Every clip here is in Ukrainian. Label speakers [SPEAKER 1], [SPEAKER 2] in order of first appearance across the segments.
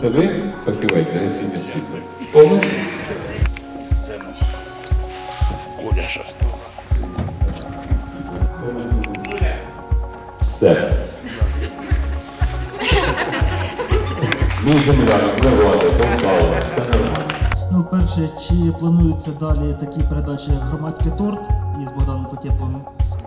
[SPEAKER 1] Це ви фахівець гасіння світла? Повністю?
[SPEAKER 2] Сцену. Оля Шастова.
[SPEAKER 1] Серце. Мій земляк, заводи, Полтава, все нормально.
[SPEAKER 3] Ну, перше, чи плануються далі такі передачі, як «Громадський торт» із Богданом Потєповим?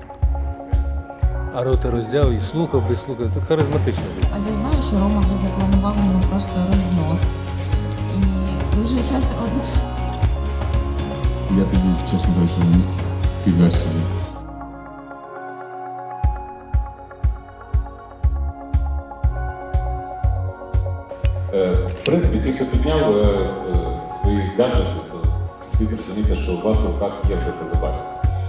[SPEAKER 4] А рота роздяв і слухав, слухав. Тут харизматично.
[SPEAKER 5] А я знаю, що Рома вже запланував йому просто рознос. І дуже часто...
[SPEAKER 6] Я тоді, чесно кажучи, не міг фіга собі.
[SPEAKER 1] В принципі, ті, хто підняв свої гаджети, то слід розуміти, що у вас в руках є вже телебачення.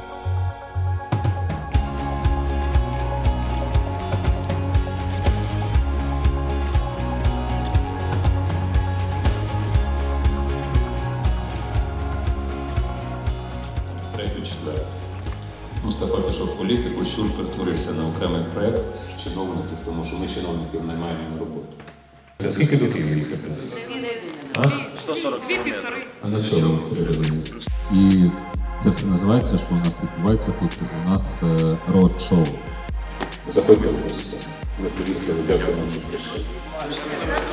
[SPEAKER 1] Третю-четверту. Мустафа пішов в політику, Щур перетворився на окремий проєкт чиновників, тому що ми чиновників наймаємо на роботу. Скільки до Києва їхати?
[SPEAKER 2] 140 кілометрів.
[SPEAKER 1] А на чому 3 години?
[SPEAKER 6] І це все називається, що у нас відбувається тут. У нас род-шоу.
[SPEAKER 1] Заходьте в курс. Ми приїхали, дякуємо, що прийшли.